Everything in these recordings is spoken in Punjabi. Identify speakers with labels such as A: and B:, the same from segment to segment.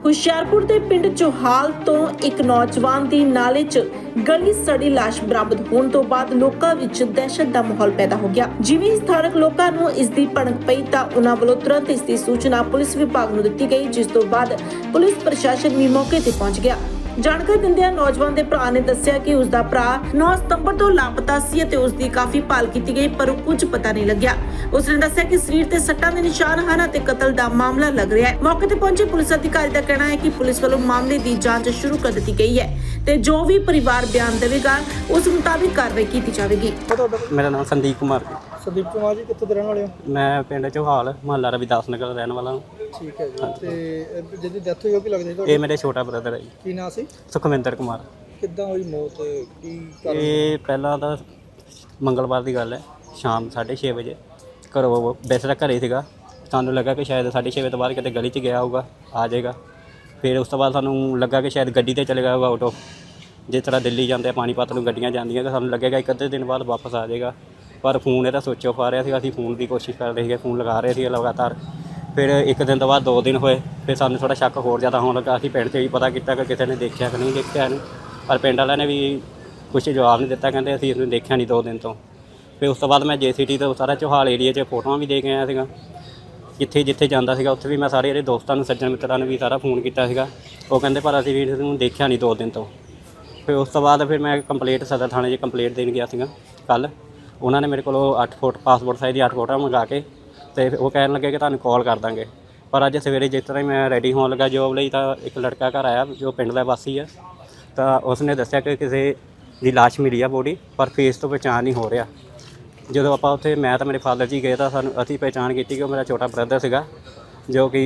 A: ਹੁਸ਼ਿਆਰਪੁਰ ਦੇ ਪਿੰਡ ਚੋਹਾਲ ਤੋਂ ਇੱਕ ਨੌਜਵਾਨ ਦੀ ਨਾਲੇ 'ਚ ਗਲੀ ਸੜੀ ਲਾਸ਼ ਬਰਾਮਦ ਹੋਣ ਤੋਂ ਬਾਅਦ ਲੋਕਾਂ ਵਿੱਚ ਦਹਿਸ਼ਤ ਦਾ ਮਾਹੌਲ ਪੈਦਾ ਹੋ ਗਿਆ। ਜਿਵੇਂ ਸਥਾਨਕ ਲੋਕਾਂ ਨੂੰ ਇਸ ਦੀ ਭਣਕ ਪਈ ਤਾਂ ਉਹਨਾਂ ਵੱਲੋਂ ਤੁਰੰਤ ਇਸ ਦੀ ਸੂਚਨਾ ਪੁਲਿਸ ਵਿਭਾਗ ਨੂੰ ਦਿੱਤੀ ਗਈ, ਜਿਸ ਤੋਂ ਬਾਅਦ ਪੁਲਿਸ ਪ੍ਰਸ਼ਾਸਨ ਵੀ ਮੌਕੇ ਤੇ ਪਹੁੰਚ ਗਿਆ। ਜਾਣਕਾਰੀ ਦਿੰਦਿਆਂ ਨੌਜਵਾਨ ਦੇ ਭਰਾ ਨੇ ਦੱਸਿਆ ਕਿ ਉਸ ਦਾ ਭਰਾ 9 ਸਤੰਬਰ ਤੋਂ ਲਾਪਤਾ ਸੀ ਅਤੇ ਉਸ ਦੀ ਕਾਫੀ ਭਾਲ ਕੀਤੀ ਗਈ, ਪਰ ਕੁਝ ਪਤਾ ਨਹੀਂ ਲੱਗਿਆ। ਉਸ ਨੇ ਦੱਸਿਆ ਕਿ ਸਰੀਰ ਤੇ ਸੱਟਾਂ ਦੇ ਨਿਸ਼ਾਨ ਹਨ ਅਤੇ ਕਤਲ ਦਾ ਮਾਮਲਾ ਲੱਗ ਰਿਹਾ ਹੈ। ਮੌਕੇ ਤੇ ਪਹੁੰਚੇ ਪੁਲਿਸ ਅਧਿਕਾਰੀ ਦਾ ਕਹਿਣਾ ਹੈ ਕਿ ਪੁਲਿਸ ਵੱਲੋਂ ਮਾਮਲੇ ਦੀ ਜਾਂਚ ਸ਼ੁਰੂ ਕਰ ਦਿੱਤੀ ਗਈ ਹੈ ਤੇ ਜੋ ਵੀ ਪਰਿਵਾਰ ਬਿਆਨ ਦੇਵੇਗਾ ਉਸ ਮੁਤਾਬਿਕ ਕਾਰਵਾਈ ਕੀਤੀ ਜਾਵੇਗੀ।
B: ਮੇਰਾ ਨਾਮ ਸੰਦੀਪ ਕੁਮਾਰ ਜੀ।
C: ਸੰਦੀਪ ਕੁਮਾਰ ਜੀ, ਕਿੱਥੋਂ ਦੇ ਰਹਿਣ ਵਾਲੇ ਹੋ?
B: ਮੈਂ ਪਿੰਡ ਚੋਹਾਲ ਮੁਹੱਲਾ ਰਵਿਦਾਸ ਨਗਰ ਦਾ ਰਹਿਣ ਵਾਲਾ ਹਾਂ।
C: ਠੀਕ ਹੈ ਜੀ। ਤੇ ਜਿਹਦੀ ਡੈਥ ਹੋਈ ਉਹ ਕੀ ਲੱਗਦਾ ਜੀ?
B: ਇਹ ਮੇਰੇ ਛੋਟਾ ਬ੍ਰਦਰ ਹੈ ਜੀ।
C: ਕੀ ਨਾਂ ਸੀ?
B: ਸੁਖਵਿੰਦਰ ਕੁਮਾਰ।
C: ਕਿੱਦਾਂ ਹੋਈ ਮੌਤ? ਕੀ ਕਾਰਨ?
B: ਇਹ ਪਹਿਲਾਂ ਤਾਂ ਮੰਗਲਵਾਰ ਦੀ ਗੱਲ ਹੈ, ਸ਼ਾਮ 6:30 ਵਜੇ ਘਰੋਂ ਵੈਸੇ ਤਾਂ ਘਰੇ ਸੀਗਾ, ਸਾਨੂੰ ਲੱਗਾ ਕਿ ਸ਼ਾਇਦ 6:30 ਵਜੇ ਤੋਂ ਬਾਅਦ ਕਿਤੇ ਗਲੀ 'ਚ ਗਿਆ ਹੋਊਗਾ, ਆ ਜਾਏਗਾ। ਫਿਰ ਉਸ ਤੋਂ ਬਾਅਦ ਸਾਨੂੰ ਲੱਗਾ ਕਿ ਸ਼ਾਇਦ ਗੱਡੀ ਤੇ ਚਲੇ ਗਿਆ ਹੋਊਗਾ ਆਟੋ, ਜਿਸ ਤਰ੍ਹਾਂ ਦਿੱਲੀ ਜਾਂਦੇ ਆ ਪਾਣੀਪਤ ਨੂੰ ਗੱਡੀਆਂ ਜਾਂਦੀਆਂ, ਕਿ ਸਾਨੂੰ ਲੱਗੇਗਾ ਇੱਕ ਅੱਧੇ ਦਿਨ ਬਾਅਦ ਵਾਪਸ ਆ ਜਾਏਗਾ। ਪਰ ਫੋਨ ਇਹਦਾ ਸੁੱਚ ਆਫ ਆ ਰਿਹਾ ਸੀਗਾ। ਅਸੀਂ ਫੋਨ ਦੀ ਕੋਸ਼ਿਸ਼ ਕਰ ਰਹੇ ਸੀਗੇ, ਫੋਨ ਲਗਾ ਰਹੇ ਸੀ ਲਗਾਤਾਰ। ਫਿਰ ਇੱਕ ਦਿਨ ਤੋਂ ਬਾਅਦ 2 ਦਿਨ ਹੋਏ, ਫਿਰ ਸਾਨੂੰ ਥੋੜ੍ਹਾ ਸ਼ੱਕ ਹੋਰ ਜ਼ਿਆਦਾ ਹੋਣ ਲੱਗਾ। ਅਸੀਂ ਪਿੰਡ 'ਚ ਵੀ ਪਤਾ ਕੀਤਾ ਕਿ ਕਿਸੇ ਨੇ ਦੇਖਿਆ ਕਿ ਨਹੀਂ ਦੇਖਿਆ ਇਹਨੂੰ, ਪਰ ਪਿੰਡ ਵਾਲਿਆਂ ਨੇ ਵੀ ਕੁਛ ਜਵਾਬ ਨਹੀਂ ਦਿੱਤਾ, ਕਹਿੰਦੇ ਅਸੀਂ ਇਸਨੂੰ ਦੇਖਿਆ ਨਹੀਂ 2 ਦਿਨ ਤੋਂ। ਫਿਰ ਉਸ ਤੋਂ ਬਾਅਦ ਮੈਂ JCT ਤੋਂ ਸਾਰਾ ਚੋਹਾਲ ਏਰੀਏ 'ਚ ਫੋਟੋਆਂ ਵੀ ਦੇ ਕੇ ਆਇਆ ਸੀਗਾ। ਜਿੱਥੇ ਜਾਂਦਾ ਸੀਗਾ ਉੱਥੇ ਵੀ ਮੈਂ ਸਾਰੇ ਇਹਦੇ ਦੋਸਤਾਂ ਨੂੰ, ਸੱਜਣ ਮਿੱਤਰਾਂ ਨੂੰ ਵੀ ਸਾਰਾ ਫੋਨ ਕੀਤਾ ਸੀਗਾ। ਉਹ ਕਹਿੰਦੇ ਪਰ ਅਸੀਂ ਵੀ ਇਹਨੂੰ ਦੇਖਿਆ ਨਹੀਂ 2 ਦਿਨ ਤੋਂ। ਫਿਰ ਉਸ ਤੋਂ ਬਾਅਦ ਫਿਰ ਮੈਂ ਕੰਪਲੇਂਟ ਸਦਰ ਥਾਣੇ 'ਚ ਕੰਪਲੇਂਟ ਦੇਣ ਗਿਆ ਸੀਗਾ ਕੱਲ੍ਹ। ਉਹਨਾਂ ਨੇ ਮੇਰੇ ਕੋਲੋਂ 8 ਫੋਟੋ ਪਾਸਪੋਰਟ ਸਾਈਜ਼ ਦੀ 8 ਫੋਟੋਆਂ ਮੰਗਾ ਕੇ ਅਤੇ ਉਹ ਕਹਿਣ ਲੱਗੇ ਕਿ ਤੁਹਾਨੂੰ ਕਾਲ ਕਰ ਦਾਂਗੇ। ਪਰ ਅੱਜ ਸਵੇਰੇ ਜਿਸ ਤਰ੍ਹਾਂ ਹੀ ਮੈਂ ਰੈਡੀ ਹੋਣ ਲੱਗਾ ਜੋਬ ਲਈ, ਤਾਂ ਇੱਕ ਲੜਕਾ ਘਰ ਆਇਆ ਜੋ ਪਿੰਡ ਦਾ ਵਾਸੀ ਆ। ਤਾਂ ਉਸ ਨੇ ਦੱਸਿਆ ਕਿ ਕਿਸੇ ਦੀ ਲਾਸ਼ ਮਿਲੀ ਆ ਬੋਡੀ, ਪਰ ਫੇਸ ਤੋਂ ਪਹਿਚਾਣ ਨਹੀਂ ਹੋ ਰਿਹਾ। ਜਦੋਂ ਆਪਾਂ ਉੱਥੇ ਮੈਂ ਤਾਂ ਮੇਰੇ ਫਾਦਰ ਜੀ ਗਏ ਤਾਂ ਅਸੀਂ ਪਹਿਚਾਣ ਕੀਤੀ ਕਿ ਉਹ ਮੇਰਾ ਛੋਟਾ ਬ੍ਰਦਰ ਸੀਗਾ, ਜੋ ਕਿ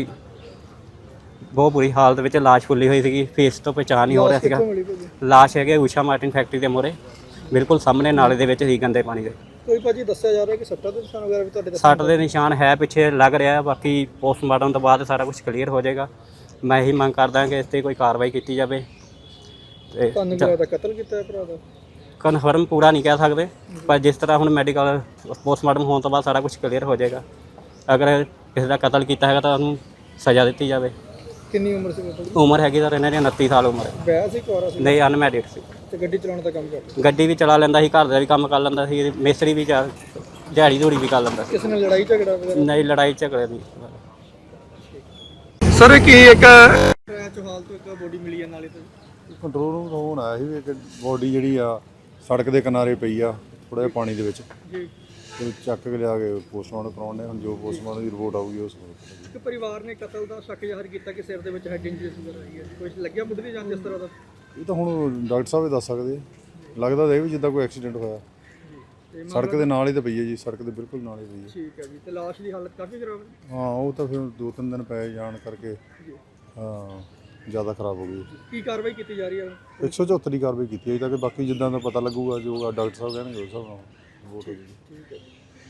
B: ਬਹੁਤ ਬੁਰੀ ਹਾਲਤ ਵਿੱਚ ਲਾਸ਼ ਫੁੱਲੀ ਹੋਈ ਸੀਗੀ। ਫੇਸ ਤੋਂ ਪਹਿਚਾਣ ਨਹੀਂ ਹੋ ਰਿਹਾ ਸੀਗਾ। ਲਾਸ਼ ਹੈਗੇ ਊਸ਼ਾ ਮਾਰਟਿਨ ਫੈਕਟਰੀ ਦੇ ਮੂਹਰੇ, ਬਿਲਕੁਲ ਸਾਹਮਣੇ ਨਾਲੇ ਦੇ ਵਿੱਚ ਸੀ, ਗੰਦੇ ਪਾਣੀ ਦੇ।
C: ਕੋਈ ਭਾਜੀ ਦੱਸਿਆ ਜਾ ਰਿਹਾ ਕਿ ਸੱਟਾਂ ਦੇ ਨਿਸ਼ਾਨ ਵਗੈਰਾ ਵੀ ਤੁਹਾਡੇ
B: ਸੱਟ ਦੇ ਨਿਸ਼ਾਨ ਹੈ ਪਿੱਛੇ ਲੱਗ ਰਿਹਾ, ਬਾਕੀ ਪੋਸਟਮਾਰਟਮ ਤੋਂ ਬਾਅਦ ਸਾਰਾ ਕੁਝ ਕਲੀਅਰ ਹੋ ਜਾਏਗਾ। ਮੈਂ ਇਹੀ ਮੰਗ ਕਰਦਾ ਕਿ ਇਸ 'ਤੇ ਕੋਈ ਕਾਰਵਾਈ ਕੀਤੀ ਜਾਵੇ। ਤੇ
C: ਤੁਹਾਨੂੰ ਕੀ ਲੱਗਦਾ ਕਤਲ ਕੀਤਾ ਹੈ ਭਰਾ ਦਾ?
B: ਕਨਫਰਮ ਪੂਰਾ ਨਹੀਂ ਕਹਿ ਸਕਦੇ, ਪਰ ਜਿਸ ਤਰ੍ਹਾਂ ਹੁਣ ਮੈਡੀਕਲ ਪੋਸਟਮਾਰਟਮ ਹੋਣ ਤੋਂ ਬਾਅਦ ਸਾਰਾ ਕੁਝ ਕਲੀਅਰ ਹੋ ਜਾਏਗਾ। ਅਗਰ ਕਿਸੇ ਦਾ ਕਤਲ ਕੀਤਾ ਹੈਗਾ ਤਾਂ ਉਹਨੂੰ ਸਜ਼ਾ ਦਿੱਤੀ ਜਾਵੇ।
C: ਕਿੰਨੀ ਉਮਰ ਸੀ ਤੁਹਾਡੀ?
B: ਉਮਰ ਹੈਗੀ ਤਾਂ ਇਹਨਾਂ ਦੀ 29 ਸਾਲ ਉਮਰ ਹੈ।
C: ਵਿਆਹ ਸੀ, ਕੁਆਰਾ ਸੀ?
B: ਨਹੀਂ, ਅਨਮੈਰਿਡ ਸੀ।
C: ਤੇ ਗੱਡੀ ਚਲਾਉਣ ਦਾ ਕੰਮ ਕਰਦਾ?
B: ਗੱਡੀ ਵੀ ਚਲਾ ਲੈਂਦਾ ਸੀ, ਘਰ ਦਾ ਵੀ ਕੰਮ ਕਰ ਲੈਂਦਾ ਸੀ, ਮਿਸਤਰੀ ਵੀ ਦਿਹਾੜੀ ਧੂੜੀ ਵੀ ਕਰ ਲੈਂਦਾ ਸੀ।
C: ਕਿਸੇ ਨਾਲ ਲੜਾਈ ਝਗੜਾ ਵਗੈਰਾ?
B: ਨਹੀਂ, ਲੜਾਈ ਝਗੜੇ ਨਹੀਂ।
C: ਸਰ ਕੀ ਇੱਕ ਚੋਹਾਲ ਤੋਂ ਇੱਕ ਬੋਡੀ ਮਿਲੀ ਹੈ ਨਾਲੇ ਤੋਂ?
D: ਕੰਟਰੋਲ ਰੂਮ ਤੋਂ ਫੋਨ ਆਇਆ ਸੀ ਵੀ ਇੱਕ ਬੋਡੀ ਜਿਹੜੀ ਆ ਸੜਕ ਦੇ ਕਿਨਾਰੇ ਪਈ ਆ, ਥੋੜ੍ਹਾ ਜਿਹਾ ਪਾਣੀ ਦੇ ਵਿੱਚ।
C: ਜੀ।
D: ਤੇ ਚੱਕ ਕੇ ਲਿਆ ਕੇ ਪੋਸਟਮਾਰਟਮ ਕਰਾਉਣ ਨੇ। ਹੁਣ ਜੋ ਪੋਸਟਮਾਰਟਮ ਦੀ ਰਿਪੋਰਟ ਆਊਗੀ ਉਸ
C: ਇੱਕ ਪਰਿਵਾਰ ਨੇ ਕਤਲ ਦਾ ਸ਼ੱਕ ਜ਼ਾਹਰ ਕੀਤਾ ਕਿ ਸਿਰ ਦੇ ਵਿੱਚ ਹੈਡ ਇੰਜਰੀ ਵਗੈਰਾ ਆਈ ਹੈ। ਕੁਝ ਲੱਗਿਆ ਮੁੱਢਲੀ ਦੀ ਜਾਂਚ ਇਸ ਤਰ੍ਹਾਂ ਦਾ?
D: ਇਹ ਤਾਂ ਹੁਣ ਡਾਕਟਰ ਸਾਹਿਬ ਹੀ ਦੱਸ ਸਕਦੇ ਆ। ਲੱਗਦਾ ਤਾਂ ਇਹ ਵੀ ਜਿੱਦਾਂ ਕੋਈ ਐਕਸੀਡੈਂਟ ਹੋਇਆ। ਸੜਕ ਦੇ ਨਾਲ ਹੀ ਤਾਂ ਪਈ ਹੈ ਜੀ, ਸੜਕ ਦੇ ਬਿਲਕੁਲ ਨਾਲ ਹੀ ਪਈ ਹੈ।
C: ਠੀਕ ਹੈ ਜੀ। ਤੇ ਲਾਸ਼ ਦੀ ਹਾਲਤ ਕਾਫੀ ਖਰਾਬ ਹੈ?
D: ਹਾਂ, ਉਹ ਤਾਂ ਫਿਰ 2-3 ਦਿਨ ਪਏ ਜਾਣ ਕਰਕੇ ਹਾਂ ਜ਼ਿਆਦਾ ਖਰਾਬ ਹੋ ਗਈ।
C: ਕੀ ਕਾਰਵਾਈ ਕੀਤੀ ਜਾ ਰਹੀ ਹੈ?
D: 174 ਦੀ ਕਾਰਵਾਈ ਕੀਤੀ ਹੈ ਤਾਂ ਕਿ ਬਾਕੀ ਜਿੱਦਾਂ ਦਾ ਪਤਾ ਲੱਗੂਗਾ, ਜੋ ਡਾਕਟਰ ਸਾਹਿਬ ਕਹਿਣਗੇ ਉਸ ਹਿਸਾਬ ਨਾਲ ਰਿਪੋਰਟ ਹੋ ਜਾਊਗੀ।
C: ਠੀਕ ਹੈ।